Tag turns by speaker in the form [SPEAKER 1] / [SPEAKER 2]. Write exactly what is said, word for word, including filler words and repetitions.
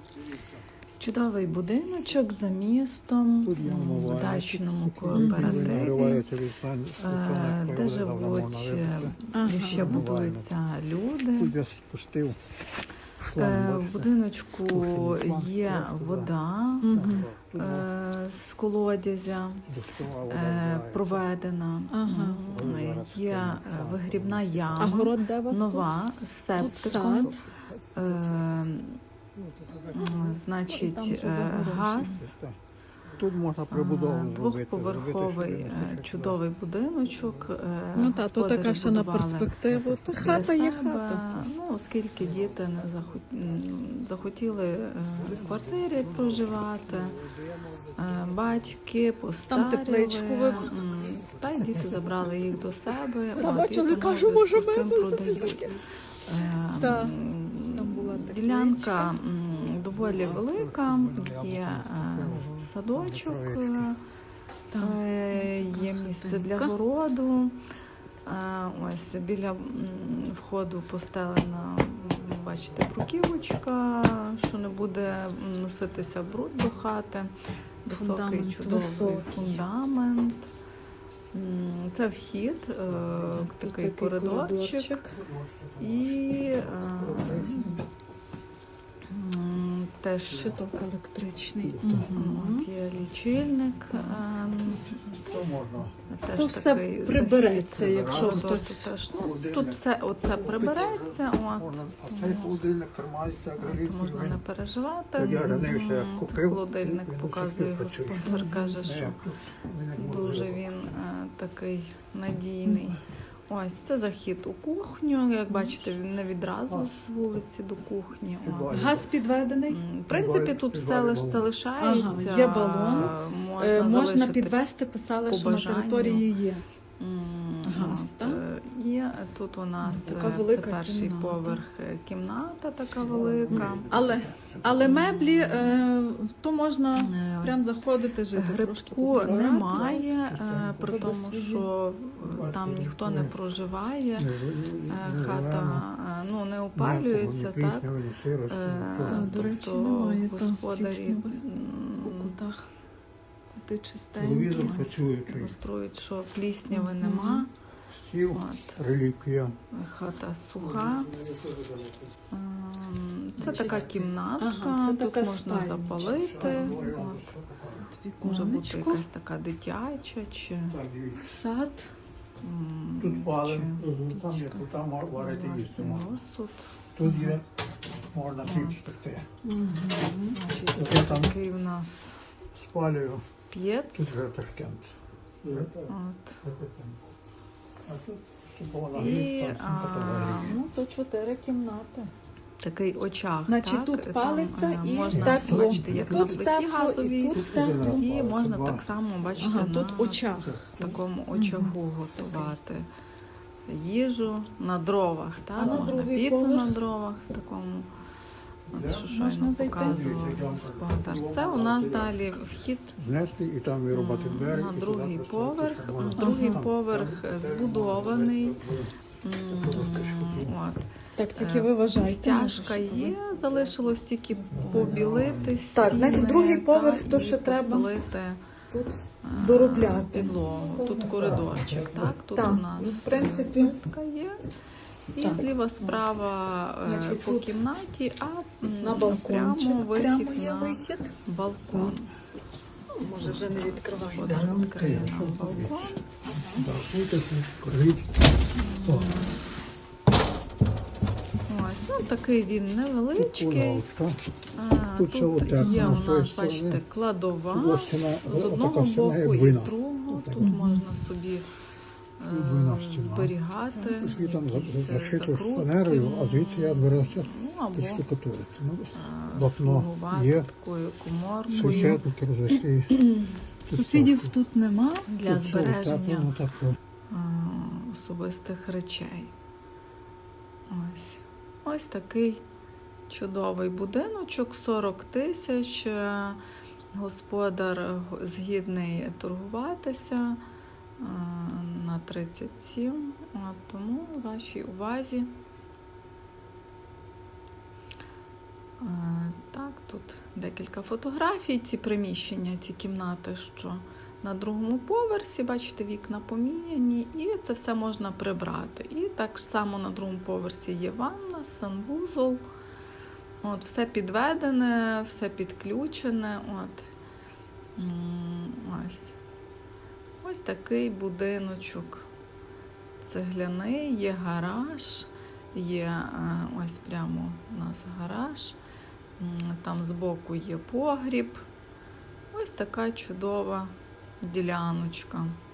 [SPEAKER 1] Чудовий будиночок за містом, в дачному кооперативі, де живуть, ще будуються люди. В будиночку є вода з колодязя проведена, є вигрібна яма, нова, з септиком. Значить, газ, двохповерховий чудовий будиночок,
[SPEAKER 2] ну, та, то така ще на перспективу. Та хата є хата.
[SPEAKER 1] Ну, оскільки діти не захотіли в квартирі проживати, батьки постаріли, та й діти забрали їх до себе, от, і тому зв'язку з тим продають. Ділянка доволі велика, є садочок, є місце для городу. Ось біля входу постелена, бачите, бруківочка, що не буде носитися бруд до хати. Високий, чудовий фундамент. Це вхід, такий коридорчик. І теж
[SPEAKER 2] щиток електричний.
[SPEAKER 1] От є лічильник. Теж
[SPEAKER 2] тут
[SPEAKER 1] такий
[SPEAKER 2] все прибереться, якщо хтось...
[SPEAKER 1] Теж, ну, тут все оце прибереться. От. Це можна не переживати. Це холодильник показує господар, каже, що дуже він такий надійний. Ось, це захід у кухню. Як бачите, він не відразу з вулиці до кухні. О.
[SPEAKER 2] Газ підведений?
[SPEAKER 1] В принципі, тут все лише залишається.
[SPEAKER 2] Ага, є балон.
[SPEAKER 1] Можна,
[SPEAKER 2] можна підвести, писали, що на території є.
[SPEAKER 1] Газ, так? І тут у нас це перший кімната. Поверх, кімната така велика.
[SPEAKER 2] Але, але меблі, е, то можна прям заходити, жити.
[SPEAKER 1] Грибку немає, при тому, що там ніхто не проживає, хата ну, не опалюється, так? Тобто господарі
[SPEAKER 2] у кутах чистенькі.
[SPEAKER 1] Демонструють, що плісняви нема. От. Хата суха. Це така кімнатка, ага, тут така можна спальня. Запалити. От. Може бути якась така дитяча чи
[SPEAKER 2] сад.
[SPEAKER 3] Тут палим, там є, тут там варити їсти можна. Тут є, можна піч пекти.
[SPEAKER 1] Це такий у нас
[SPEAKER 3] спалюю.
[SPEAKER 1] П'єц.
[SPEAKER 3] Тут вже Ташкент.
[SPEAKER 1] От.
[SPEAKER 3] І,
[SPEAKER 1] а,
[SPEAKER 2] ну, то чотири кімнати.
[SPEAKER 1] Такий очаг,
[SPEAKER 2] значить,
[SPEAKER 1] так?
[SPEAKER 2] Тут палиться
[SPEAKER 1] там,
[SPEAKER 2] і
[SPEAKER 1] можна
[SPEAKER 2] тепло.
[SPEAKER 1] бачити, як
[SPEAKER 2] тут
[SPEAKER 1] на плиті
[SPEAKER 2] тепло,
[SPEAKER 1] газовій,
[SPEAKER 2] і, тут тепло.
[SPEAKER 1] І можна так само бачити
[SPEAKER 2] ага,
[SPEAKER 1] на
[SPEAKER 2] тут очаг.
[SPEAKER 1] такому очагу угу. готувати їжу на дровах, так?
[SPEAKER 2] А на
[SPEAKER 1] можна піцу
[SPEAKER 2] поверх?
[SPEAKER 1] На дровах в такому. От, що щойно показував господар. Це у нас далі вхід
[SPEAKER 3] на
[SPEAKER 1] другий поверх. Другий поверх збудований. От.
[SPEAKER 2] Так, тільки ви вважаєте.
[SPEAKER 1] Стяжка є, залишилось тільки побілити стіни.
[SPEAKER 2] Так, значить, другий поверх, то ще треба тут доробляти
[SPEAKER 1] підлогу. Тут коридорчик, так? Тут
[SPEAKER 2] так,
[SPEAKER 1] у нас
[SPEAKER 2] в принципі
[SPEAKER 1] така є. І так. Зліва справа значить, по кімнаті, а
[SPEAKER 2] на балкон.
[SPEAKER 1] Прямо вихід
[SPEAKER 2] прямо
[SPEAKER 1] на
[SPEAKER 2] вихід.
[SPEAKER 1] балкон.
[SPEAKER 2] Може вже не відкривати.
[SPEAKER 1] Господар відкриє нам балкон. Ось, ну такий він невеличкий. А, тут є у нас, бачите, кладова з одного боку і з другого. Тут можна собі зберігати якісь закрутки, ну, або слугувати такою коморкою.
[SPEAKER 2] Сусідів тут нема.
[SPEAKER 1] Для збереження особистих речей. Ось. Ось такий чудовий будиночок, сорок тисяч. Господар згідний торгуватися на тридцять сім, тому вашій увазі. Так, Тут декілька фотографій, ці приміщення, ці кімнати, що на другому поверсі, бачите, вікна поміняні, і це все можна прибрати. І так само на другому поверсі є ванна, санвузол. От, все підведене, все підключене. От. Ось. Ось такий будиночок цегляний, є гараж, є ось прямо у нас гараж, там збоку є погріб. Ось така чудова діляночка.